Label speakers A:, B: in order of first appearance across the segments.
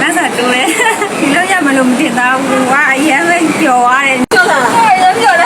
A: 那啥多嘞，你老家没弄听到，我也没叫啊嘞，
B: 叫啥？
A: 也叫嘞，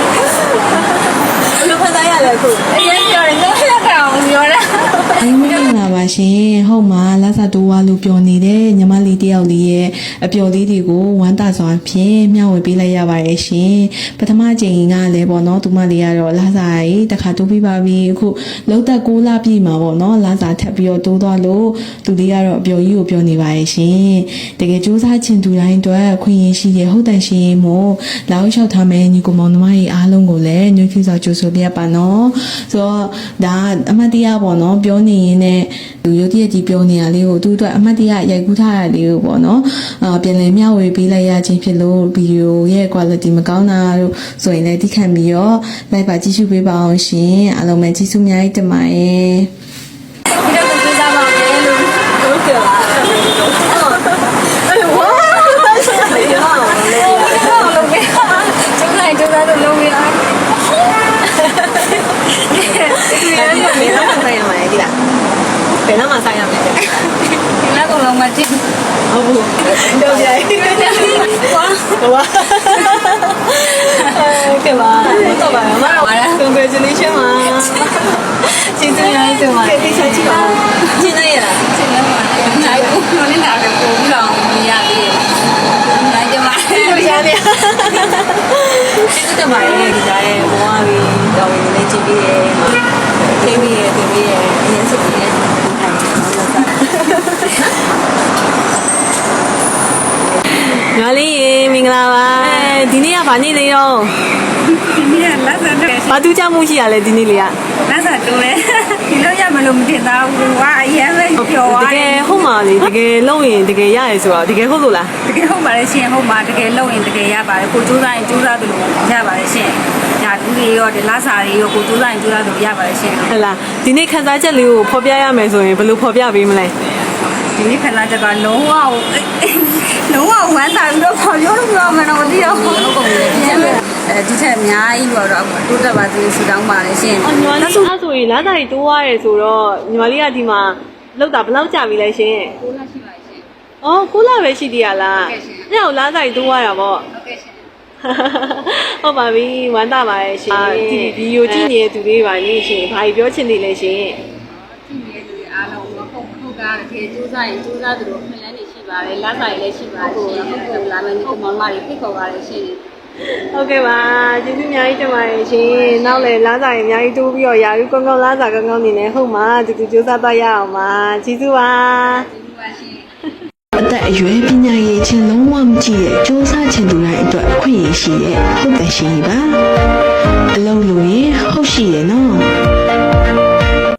B: 我看咱也来过，
A: 也叫嘞，我也看我叫嘞。
C: အင်းမင်္ဂလာပါရှင်ဟုတ်မှာလာစာတိုးဝါလို့ပြောနေတဲ့ညီမလေးတယောက်လေးရဲ့အပျော်လေးတွေကိုဝမ်းသာစွာဖြင့်မျှဝေပေးလိုက်ရပါတယ်ရှင်ပထမချိန်ကလည်းပေါ့နော်သူမလေးကတော့လာစာရေးတစ်ခါတိုးပြီးပါပြီအခုလောက်သက်6လပြည့်မှာပေါ့နော်လာစာထပ်ပြီးတော့တိုးသွားလို့သူလေးကတော့အပျော်ကြီးကိုပြောနေပါရဲ့ရှင်တကယ်စူးစမ်းချင်သူတိုင်းအတွက်ခွင့်ရရှိတဲ့ဟုတ်တန်ရှင်မို့လောက်လျှောက်ထားမယ်ညီကိုမောင်နှမကြီးအားလုံးကိုလည်းညှို့ဖြူစွာကြိုဆိုပြပါနော်ဆိုတော့ဒါအမတ်တရားပေါ့နော်ပြောနေရင်လည်းလူရုပ်တရက်ကြီးပြောနေရလေးကိုသူ့အတွက်အမတ်တရားရိုက်ကူးထားရလေးကိုပေါ့နော်ပြန်လည်မျှဝေပေးလိုက်ရခြင်းဖြစ်လို့ဗီဒီယိုရဲ့ quality မကောင်းတာတို့ဆိုရင်လည်းတိခတ်ပြီးတော့ like ပါကြည့်ရှုပေးပါအောင်ရှင်အားလုံးပဲကျေးဇူးအများကြီးတင်ပါတယ်
B: 你这个做啥嘛？都给了。哎哇，是没有了。
A: 弄没了，就在都弄没了。
B: 没那么三样买的啦，没那么三样买的。
A: 你那个弄没进，
B: 哦不，对不对？哇，给吧，我到吧，妈，congratulations 嘛，今天来就嘛，给小鸡吧，今天也来，
A: 进来嘛，来我你哪个不知道你呀的，来就来，
B: 不想的，这个买的，这家的，我为到为来这边，这边，颜色的，ညီလေးမင်္ဂလာပါဒီနေ့ကဗာနေ့လေးတော့
A: 你那啥的，
B: ဘာတူးကြမှုရှိရလဲဒီနေ့လေးက
A: 那啥多嘞，你老家没弄听到，我也没叫
B: တ
A: 啊
B: ကယ်ဟုတ်မှာလေတကယ်လုံးရင်တကယ်ရရဆိုတော့တကယ်ဟုတ်လို့လား
A: တကယ်ဟုတ်ပါလေရှင်ဟုတ်ပါတကယ်လုံရင်တကယ်ရပါတယ်ကိုစူးစမ်းရင်စူးစမ်းသလိုရပါတယ်ရှင်ဒါလူတွေရောဒီလာစာတွေရောကိုစူးစမ်းရင်စူးစမ်းသလိုရပါတယ်ရှင်
B: ဟဲ့လားဒီနေ့ခန်းစားချက်လေးကိုဖော်ပြရမယ်ဆိုရင်ဘယ်လိုဖော်ပြပေးမလဲ
A: ဒီနေ့ခဏချက်ကလုံးဝဝမ်းသာပြီးတော့ခေါ်ပြောလို့ပြောမှတော့မသိတော့ဘူးဒီထက်အများကြီးတော့တိုးတက်ပါသေးဆူတောင်းပါတယ်ရှင်
B: ညီမလေးအဲ့ဆိုရင်လာတိုင်းတိုးသွားရဲဆိုတော့ညီမလေးကဒီမှာလောက်တာဘယ်လောက်ကြာပြီလဲရှင်
A: ကိုလာရှိပါရှင်
B: အော်9လပဲရှိသေးရလားအဲ့တော့လာတိုင်းတိုးသွားတာပေါ့
A: ဟုတ်ကဲ့ရှင်
B: ဟုတ်ပါပြီဝမ်းသာပါရဲ့ရှင်ဒီဗီဒီယိုကြည့်နေတဲ့သူတွေပါနေရှင်ဘာကြီးပြောချင်နေလဲရှင်
A: ကြည့်နေတဲ့လူတွေအားလုံးမဟုတ်ဟုတ်ကားတကယ်စူးစမ်းရင်စူးစမ်းသလိုခွင့်လန်းနေရှိပါတယ်လာစာရည်လည်းရှိပါတယ်ရှင်ဟုတ်ကဲ့လာမယ်ဒီကောင်မတွေဖိတ်ခေါ်ပါတယ်ရှင်
B: ဟုတ်ကဲ့ပါကျေးဇူးအများကြီးတင်ပါတယ်ရှင်နောက်လည်းလာစာရင်အများကြီးတိုးပြီးတော့ယာရုကောင်းကောင်းလာစာကောင်းကောင်းနေနေဟုတ်မှာတူတူစူးစမ်းသွားရအောင်ပါကျေးဇူးပါ
C: အသက်အရွယ်ပညာရေးချင်းလုံးဝမကြည့်တဲ့စူးစမ်းချင်သူတိုင်းအတွက်ခွင့်ရရှိတဲ့ဟုတ်တန်ရှင်ကြီးပါအလုံးလို့ရင်ဟုတ်ရှိရဲ့နော်